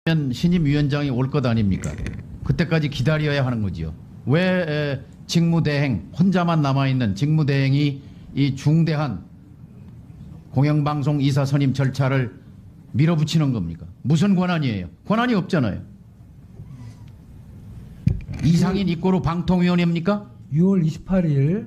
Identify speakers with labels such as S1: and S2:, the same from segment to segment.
S1: 신임 위원장이 올 것 아닙니까? 그때까지 기다려야 하는 거지요. 왜 직무대행 혼자만 남아있는 직무대행이 이 중대한 공영방송 이사 선임 절차를 밀어붙이는 겁니까? 무슨 권한이에요? 권한이 없잖아요. 이상인 입고로 방통위원회입니까?
S2: 6월 28일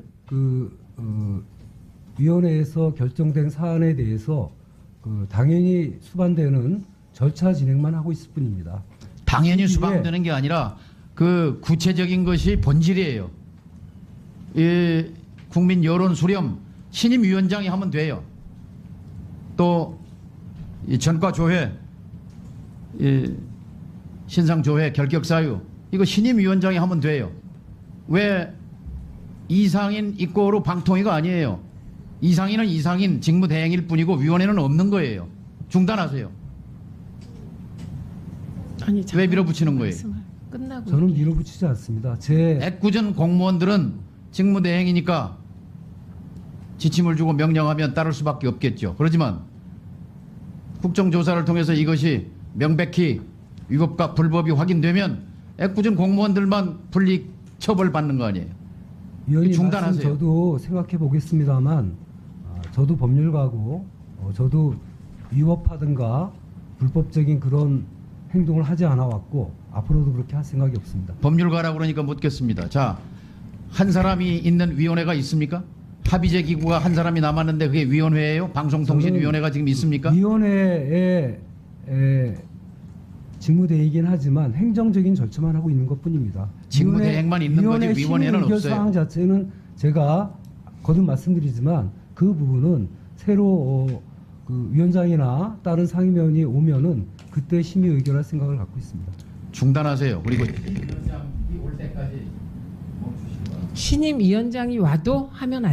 S2: 위원회에서 결정된 사안에 대해서 당연히 수반되는 절차 진행만 하고 있을 뿐입니다.
S1: 당연히 수반되는 게 아니라 그 구체적인 것이 본질이에요. 이 국민 여론 수렴 신임 위원장이 하면 돼요. 또 이 전과 조회, 이 신상 조회, 결격 사유 이거 신임 위원장이 하면 돼요. 왜 이상인 입고로 방통위가 아니에요. 이상인은 이상인 직무대행일 뿐이고 위원회는 없는 거예요. 중단하세요.
S3: 아니,
S1: 왜 밀어붙이는 거예요?
S3: 끝나고
S2: 저는 밀어붙이지 않습니다.
S1: 애꿎은 공무원들은 직무대행이니까 지침을 주고 명령하면 따를 수밖에 없겠죠. 그렇지만 국정조사를 통해서 이것이 명백히 위법과 불법이 확인되면 애꿎은 공무원들만 분리 처벌받는 거 아니에요.
S2: 위원님
S1: 중단하세요.
S2: 말씀 저도 생각해 보겠습니다만 저도 법률가고 저도 위법하든가 불법적인 그런 행동을 하지 않아 왔고 앞으로도 그렇게 할 생각이 없습니다.
S1: 법률가라고 그러니까 묻겠습니다. 자, 한 사람이 있는 위원회가 있습니까? 합의제 기구가 한 사람이 남았는데 그게 위원회예요? 방송통신위원회가 지금 있습니까?
S2: 위원회의 직무대행이긴 하지만 행정적인 절차만 하고 있는 것뿐입니다.
S1: 직무대행만 있는 거지 위원회는
S2: 의결
S1: 없어요.
S2: 사항 자체는 제가 거듭 말씀드리지만 그 부분은 새로 그 위원장이나 다른 상임위원이 오면은 그때 심의 의결할 생각을 갖고 있습니다.
S1: 중단하세요. 그리고 위원장이 올 때까지 멈추시기 바랍니다.
S3: 신임 위원장이 와도 하면 안